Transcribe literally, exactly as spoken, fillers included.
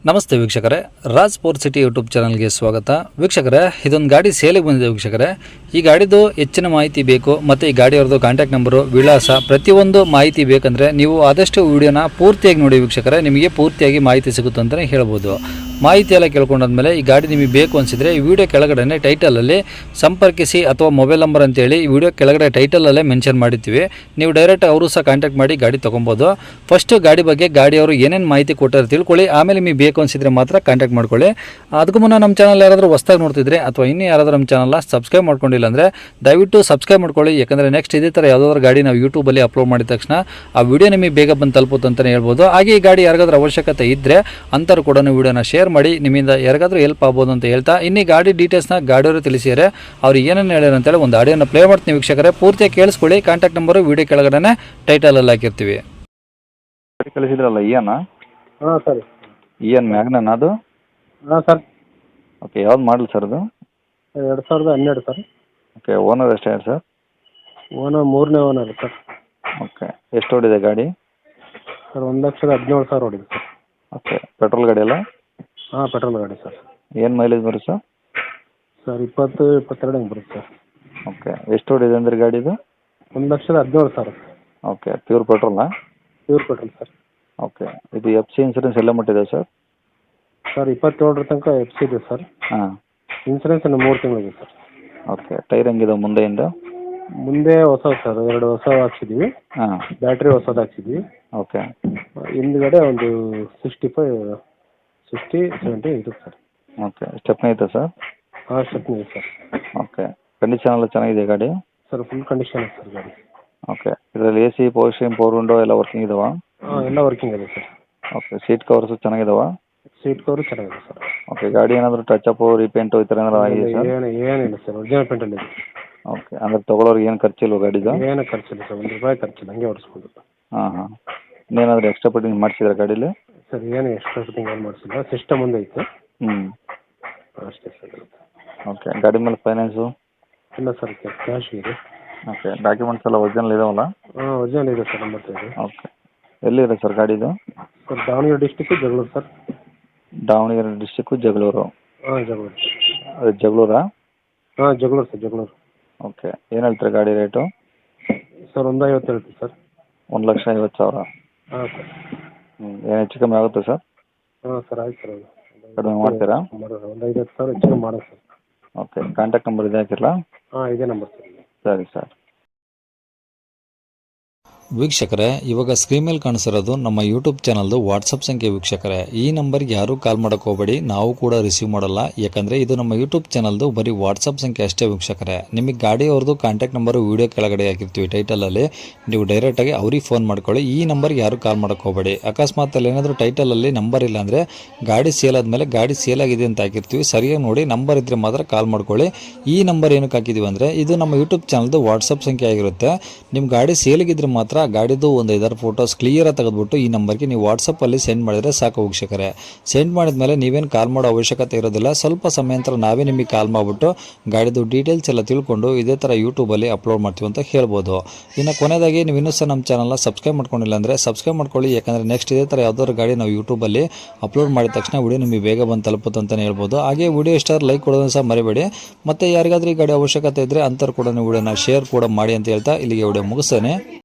ನಮಸ್ತೆ ವೀಕ್ಷಕರೇ, Raj sport city YouTube ಚಾನಲ್ಗೆ ಸ್ವಾಗತ. ವೀಕ್ಷಕರೇ, ಇದೊಂದು ಗಾಡಿ ಸೇಲಿಗೆ ಬಂದಿದೆ ವೀಕ್ಷಕರೇ. ಈ ಗಾಡಿದು ಹೆಚ್ಚಿನ ಮಾಹಿತಿ ಬೇಕು ಮತ್ತು ಈ ಗಾಡಿಯವ್ರದ್ದು ಕಾಂಟ್ಯಾಕ್ಟ್ ನಂಬರು, ವಿಳಾಸ, ಪ್ರತಿಯೊಂದು ಮಾಹಿತಿ ಬೇಕಂದರೆ ನೀವು ಆದಷ್ಟು ವಿಡಿಯೋನ ಪೂರ್ತಿಯಾಗಿ ನೋಡಿ ವೀಕ್ಷಕರೇ. ನಿಮಗೆ ಪೂರ್ತಿಯಾಗಿ ಮಾಹಿತಿ ಸಿಗುತ್ತೆ ಅಂತಲೇ ಹೇಳ್ಬೋದು. ಮಾಹಿತಿ ಎಲ್ಲ ಕೇಳ್ಕೊಂಡಾದ್ಮೇಲೆ ಈ ಗಾಡಿ ನಿಮಗೆ ಬೇಕು ಅನಿಸಿದರೆ ಈ ವಿಡಿಯೋ ಕೆಳಗಡೆ ಟೈಟಲಲ್ಲಿ ಸಂಪರ್ಕಿಸಿ ಅಥವಾ ಮೊಬೈಲ್ ನಂಬರ್ ಅಂತೇಳಿ ಈ ವಿಡಿಯೋ ಕೆಳಗಡೆ ಟೈಟಲಲ್ಲೇ ಮೆನ್ಷನ್ ಮಾಡಿರ್ತೀವಿ. ನೀವು ಡೈರೆಕ್ಟ್ ಅವರು ಸಹ ಕಾಂಟ್ಯಾಕ್ಟ್ ಮಾಡಿ ಗಾಡಿ ತೊಗೊಬೋದು. ಫಸ್ಟು ಗಾಡಿ ಬಗ್ಗೆ ಗಾಡಿಯವರು ಏನೇನು ಮಾಹಿತಿ ಕೊಟ್ಟಾರೆ ತಿಳ್ಕೊಳ್ಳಿ, ಆಮೇಲೆ ನಿಮಗೆ ಬೇಕು ಅನಿಸಿದರೆ ಮಾತ್ರ ಕಾಂಟ್ಯಾಕ್ಟ್ ಮಾಡ್ಕೊಳ್ಳಿ. ಅದಕ್ಕೂ ಮುನ್ನ ನಮ್ಮ ಚಾನಲ್ ಯಾರಾದರೂ ಹೊಸ್ದಾಗಿ ನೋಡ್ತಿದ್ರೆ ಅಥವಾ ಇನ್ನೂ ಯಾರಾದರೂ ನಮ್ಮ ಚಾನಲ್ನ ಸಬ್ಸ್ಕ್ರೈಬ್ ಮಾಡ್ಕೊಂಡಿಲ್ಲ ಅಂದರೆ ದಯವಿಟ್ಟು ಸಬ್ಸ್ಕ್ರೈಬ್ ಮಾಡ್ಕೊಳ್ಳಿ. ಯಾಕಂದರೆ ನೆಕ್ಸ್ಟ್ ಇದೇ ಥರ ಯಾವುದಾದ್ರೂ ಗಾಡಿ ನಾವು ಯೂಟ್ಯೂಬಲ್ಲಿ ಅಪ್ಲೋಡ್ ಮಾಡಿದ ತಕ್ಷಣ ಆ ವಿಡಿಯೋ ನಿಮಗೆ ಬೇಗ ಬಂದು ತಲುಪುತ್ತೆ ಅಂತಲೇ ಹೇಳ್ಬೋದು. ಹಾಗೆ ಈ ಗಾಡಿ ಯಾರಿಗಾದ್ರೂ ಅವಶ್ಯಕತೆ ಇದ್ದರೆ ಅಂಥವ್ರು ಕೂಡ ವಿಡಿಯೋನ ಶೇರ್ ಮಾಡಿ, ನಿಮ್ಮಿಂದ ಯಾರಿಗಾದ್ರೂ ಹೆಲ್ಪ್ ಆಗ್ಬೋದು ಅಂತ ಹೇಳ್ತಾ ಇನ್ನೀ ಗಾಡಿ ಡೀಟೇಲ್ಸ್ನ ಗಾಡಿಯವರು ತಿಳಿಸಿದರೆ ಅವ್ರು ಏನೇನು ಹೇಳ್ಯಾರ ಅಂತೇಳಿ ಒಂದು ಆಡಿಯೋನ ಪ್ಲೇ ಮಾಡ್ತೀನಿ ವೀಕ್ಷಕರೇ. ಪೂರ್ತಿಯಾಗಿ ಕೇಳಿಸ್ಕೊಳ್ಳಿ. ಕಾಂಟ್ಯಾಕ್ಟ್ ನಂಬರು ವಿಡಿಯೋ ಕೆಳಗಡೆ ಟೈಟಲಲ್ಲಿ ಹಾಕಿರ್ತೀವಿ. ಕಳಿಸಿದ್ರಲ್ಲ ಇಯನ್ ಹಾಂ ಸರ್. ಇಯನ್ ಮ್ಯಾಗ್ನನ್ ಅದು? ಹಾಂ ಸರ್. ಓಕೆ, ಯಾವ್ದು ಮಾಡಲ್ ಸರ್ ಅದು? ಎರಡು ಸಾವಿರದ ಹನ್ನೆರಡು ಸರ್. ಓಕೆ, ಓನರ್ ಎಷ್ಟೇ ಸರ್? ಓನರ್ ಮೂರನೇ ಓನರ್ ಸರ್. ಓಕೆ, ಎಷ್ಟು ಓಡಿದೆ ಗಾಡಿ? ಸರ್ ಒಂದು ಲಕ್ಷದ ಹದಿನೇಳು ಸಾವಿರ ಹೊಡಿದೆ ಸರ್. ಓಕೆ, ಪೆಟ್ರೋಲ್ ಗಾಡಿ ಅಲ್ಲ? ಹಾಂ, ಪೆಟ್ರೋಲ್ ಗಾಡಿ ಸರ್. ಏನು ಮೈಲೇಜ್ ಬರುತ್ತೆ ಸರ್? ಸರ್ ಇಪ್ಪತ್ತು ಇಪ್ಪತ್ತೆರಡು ಹಂಗೆ ಬರುತ್ತೆ ಸರ್. ಓಕೆ, ಎಷ್ಟು ಓಡಿದೆ ಅಂದ್ರೆ ಗಾಡಿದು? ಒಂದು ಲಕ್ಷದ ಹದಿನೇಳು ಸಾವಿರ. ಓಕೆ, ಪ್ಯೂರ್ ಪೆಟ್ರೋಲಾ? Pure petrol sir. ಓಕೆ, ಇದು ಎಫ್ ಸಿ ಇನ್ಸೂರೆನ್ಸ್ ಎಲ್ಲ ಮಟ್ಟಿದೆ ಸರ್? ಸರ್ ಇಪ್ಪತ್ತೇಳರ ತನಕ ಎಫ್ ಸಿ ಇದೆ ಸರ್. ಹಾಂ. ಇನ್ಸೂರೆನ್ಸ್ ಇನ್ನು ಮೂರು ತಿಂಗಳಿದೆ ಸರ್. ಓಕೆ, ಟೈರ್ ಹೆಂಗಿದೆ ಮುಂದೆಯಿಂದ? ಮುಂದೆ ಹೊಸ ಸರ್, ಎರಡು ಹೊಸ ಹಾಕ್ಸಿದ್ವಿ. ಹಾಂ. ಬ್ಯಾಟ್ರಿ ಹೊಸದು ಹಾಕ್ಸಿದ್ವಿ. ಓಕೆ. ಹಿಂದ್ಗಡೆ ಒಂದು ಸಿಕ್ಸ್ಟಿ ಫೈವ್ ಸಿಕ್ಸ್ಟಿ ಸೆವೆಂಟಿ ಇದೆ ಸರ್. ಓಕೆ, ಸ್ಟೆಪ್ನಿ ಐತೆ ಸರ್? ಹಾಂ, ಸ್ಟೆಪ್ನಿ ಇದೆ ಸರ್. ಓಕೆ, ಕಂಡೀಷನ್ ಎಲ್ಲ ಚೆನ್ನಾಗಿದೆ ಗಾಡಿ? ಸರ್ ಫುಲ್ ಕಂಡೀಷನ್ ಇದೆ ಸರ್ ಗಾಡಿ. ಓಕೆ, ಇದರಲ್ಲಿ A C, power steering, power window ಎಲ್ಲ ವರ್ಕಿಂಗ್ ಇದಾವ? ಹಾಂ, ಎಲ್ಲ ವರ್ಕಿಂಗ್ ಇದೆ ಸರ್. ಓಕೆ, ಸೀಟ್ ಕವರ್ಸು ಚೆನ್ನಾಗಿದಾವ? ಸೀಟ್ ಕವರು ಚೆನ್ನಾಗಿದೆ ಸರ್. ಓಕೆ, ಗಾಡಿ ಏನಾದರೂ ಟಚ್ ಅಪ್, ರೀಪೇಂಟು ಈ ಥರ ಏನಾದ್ರು ಆಗಿದೆ ಸರ್? ಏನು ಏನಿಲ್ಲ ಸರ್, ಒರಿಜಿನಲ್ ಪೇಂಟಲ್ಲಿ ಇದೆ. ಓಕೆ, ಅಂದ್ರೆ ತೊಗೊಳೋರಿಗೆ ಏನು ಖರ್ಚಿಲ್ವ ಗಾಡಿದು? ಏನು ಖರ್ಚಿಲ್ಲ ಸರ್, ಒಂದು ರೂಪಾಯಿ ಖರ್ಚಿಲ್ಲ, ಹಂಗೆ ಓಡಿಸ್ಬೋದು. ಹಾಂ ಹಾಂ. ಇನ್ನೇನಾದರೂ ಎಕ್ಸ್ಟ್ರಾ ಫಿಟ್ಟಿಂಗ್ ಮಾಡಿಸಿದ್ರೆ ಗಾಡೀಲಿ? ಸರ್ ಏನು ಎಕ್ಸ್ಟ್ರಾ ಫಿಟ್ಟಿಂಗ್ ಏನು ಮಾಡಿಸಿಲ್ಲ, ಸಿಸ್ಟಮ್ ಒಂದು ಐತೆ. ಹ್ಞೂ. ಅಷ್ಟೇ ಸರ್. ಓಕೆ, ಗಾಡಿ ಮೇಲೆ ಫೈನಾನ್ಸು? ಇಲ್ಲ ಸರ್, ಕ್ಯಾಶ್ ಇದೆ. ಓಕೆ, ಡಾಕ್ಯುಮೆಂಟ್ಸ್ ಎಲ್ಲ ಒರಿಜಿನಲ್ ಇದಾವಲ್ಲ? ಹಾಂ, ಒರಿಜಿನಲ್ ಇದೆ ಸರ್, ಎಂಬತ್ತೈದು. ಓಕೆ, ಎಲ್ಲಿದೆ ಸರ್ ಗಾಡಿದು? Sir Davanagere district, Jagaluru sir. Davanagere district, Jagaluru? ಹಾಂ, ಜಗಳೂರು. ಅದು ಜಗಳೂರಾ? ಹಾಂ, ಜಗಳೂರು ಸರ್, ಜಗಳೂರು. ಓಕೆ, ಏನು ಹೇಳ್ತೀರಾ ಗಾಡಿ ರೇಟು? ಸರ್ ಒಂದು ಐವತ್ತು ಹೇಳ್ತೀವಿ ಸರ್. ಒಂದು ಲಕ್ಷ ಐವತ್ತು ಸಾವಿರ? ಹಾಂ ಸರ್. ಹ್ಞೂ, ಏನು ಹೆಚ್ಚು ಕಮ್ಮಿ ಆಗುತ್ತೆ ಸರ್? ಹಾಂ ಸರ್, ಆಯ್ತು ಸರ್. ಕಡಿಮೆ ಮಾಡ್ತೀರಾ? ಒಂದು ಐವತ್ತು ಸಾವಿರ ಹೆಚ್ಚು ಮಾಡೋಣ ಸರ್. ಓಕೆ, ಕಾಂಟ್ಯಾಕ್ಟ್ ನಂಬರ್ ಇದೆ ಹಾಕಿರಲಾ? ಹಾಂ, ಇದೇ ನಂಬರ್ ಸರ್. ಸರಿ ಸರ್. ವೀಕ್ಷಕರೇ, ಇವಾಗ ಸ್ಕ್ರೀನ್ ಮೇಲೆ ಕಾಣಿಸಿರೋದು ನಮ್ಮ ಯೂಟ್ಯೂಬ್ ಚಾನಲ್ದು ವಾಟ್ಸಪ್ ಸಂಖ್ಯೆ ವೀಕ್ಷಕರೇ. ಈ ನಂಬರ್ಗೆ ಯಾರೂ ಕಾಲ್ ಮಾಡೋಕ್ಕೆ ಹೋಗಬೇಡಿ, ನಾವು ಕೂಡ ರಿಸೀವ್ ಮಾಡಲ್ಲ. ಯಾಕಂದರೆ ಇದು ನಮ್ಮ ಯೂಟ್ಯೂಬ್ ಚಾನಲ್ದು ಬರೀ ವಾಟ್ಸಪ್ ಸಂಖ್ಯೆ ಅಷ್ಟೇ ವೀಕ್ಷಕರೇ. ನಿಮಗೆ ಗಾಡಿಯವ್ರದ್ದು ಕಾಂಟ್ಯಾಕ್ಟ್ ನಂಬರು ವೀಡಿಯೋ ಕೆಳಗಡೆ ಹಾಕಿರ್ತೀವಿ ಟೈಟಲಲ್ಲಿ, ನೀವು ಡೈರೆಕ್ಟಾಗಿ ಅವ್ರಿಗೆ ಫೋನ್ ಮಾಡ್ಕೊಳ್ಳಿ. ಈ ನಂಬರ್ಗೆ ಯಾರೂ ಕಾಲ್ ಮಾಡೋಕ್ಕೆ ಹೋಗಬೇಡಿ. ಅಕಸ್ಮಾತ್ ಅಲ್ಲಿ ಏನಾದರೂ ಟೈಟಲಲ್ಲಿ ನಂಬರ್ ಇಲ್ಲ ಅಂದರೆ ಗಾಡಿ ಸೇಲ್ ಆದಮೇಲೆ ಗಾಡಿ ಸೇಲ್ ಆಗಿದೆ ಅಂತ ಹಾಕಿರ್ತೀವಿ, ಸರಿಯಾಗಿ ನೋಡಿ ನಂಬರ್ ಇದ್ದರೆ ಮಾತ್ರ ಕಾಲ್ ಮಾಡ್ಕೊಳ್ಳಿ. ಈ ನಂಬರ್ ಏನಕ್ಕೆ ಹಾಕಿದ್ದೀವಿ ಅಂದರೆ ಇದು ನಮ್ಮ ಯೂಟ್ಯೂಬ್ ಚಾನಲ್ದು ವಾಟ್ಸಪ್ ಸಂಖ್ಯೆ ಆಗಿರುತ್ತೆ. ನಿಮ್ಮ ಗಾಡಿ ಸೇಲಿಗಿದ್ರೆ ಮಾತ್ರ ಗಾಡಿದು ಒಂದು ಐದಾರು ಫೋಟೋಸ್ ಕ್ಲಿಯರಾಗಿ ತೆಗೆದುಬಿಟ್ಟು ಈ ನಂಬರ್ಗೆ ನೀವು ವಾಟ್ಸಪ್ಪಲ್ಲಿ ಸೆಂಡ್ ಮಾಡಿದರೆ ಸಾಕು ವೀಕ್ಷಕರೇ. ಸೆಂಡ್ ಮಾಡಿದ್ಮೇಲೆ ನೀವೇನು ಕಾಲ್ ಮಾಡೋ ಅವಶ್ಯಕತೆ ಇರೋದಿಲ್ಲ. ಸ್ವಲ್ಪ ಸಮಯ ನಂತರ ನಾವೇ ನಿಮಗೆ ಕಾಲ್ ಮಾಡಿಬಿಟ್ಟು ಗಾಡಿದು ಡೀಟೇಲ್ಸ್ ಎಲ್ಲ ತಿಳ್ಕೊಂಡು ಇದೇ ಥರ ಯೂಟ್ಯೂಬಲ್ಲಿ ಅಪ್ಲೋಡ್ ಮಾಡ್ತೀವಿ ಅಂತ ಹೇಳ್ಬೋದು. ಇನ್ನು ಕೊನೆಯದಾಗಿ ನೀವು ಇನ್ನೂ ಸಹ ನಮ್ಮ ಚಾನಲ್ನ ಸಬ್ಸ್ಕ್ರೈಬ್ ಮಾಡ್ಕೊಂಡಿಲ್ಲ ಅಂದರೆ ಸಬ್ಸ್ಕ್ರೈಬ್ ಮಾಡ್ಕೊಳ್ಳಿ. ಯಾಕಂದರೆ ನೆಕ್ಸ್ಟ್ ಇದೇ ಥರ ಯಾವುದಾದ್ರು ಗಾಡಿ ನಾವು ಯೂಟ್ಯೂಬಲ್ಲಿ ಅಪ್ಲೋಡ್ ಮಾಡಿದ ತಕ್ಷಣ ವಿಡಿಯೋ ನಿಮಗೆ ಬೇಗ ಬಂದು ತಲುಪುತ್ತೆ ಅಂತಲೇ ಹೇಳ್ಬೋದು. ಹಾಗೆ ವಿಡಿಯೋ ಇಷ್ಟ ಲೈಕ್ ಕೊಡೋದನ್ನು ಸಹ ಮರಿಬೇಡಿ. ಮತ್ತು ಯಾರಿಗಾದ್ರೂ ಈ ಗಾಡಿ ಅವಶ್ಯಕತೆ ಇದ್ದರೆ ಅಂಥವ್ರು ಕೂಡ ನೀವು ವಿಡಿಯೋನ ಶೇರ್ ಕೂಡ ಮಾಡಿ ಅಂತ ಹೇಳ್ತಾ ಇಲ್ಲಿಗೆ ವಿಡಿಯೋ ಮುಗಿಸ್ತೇನೆ.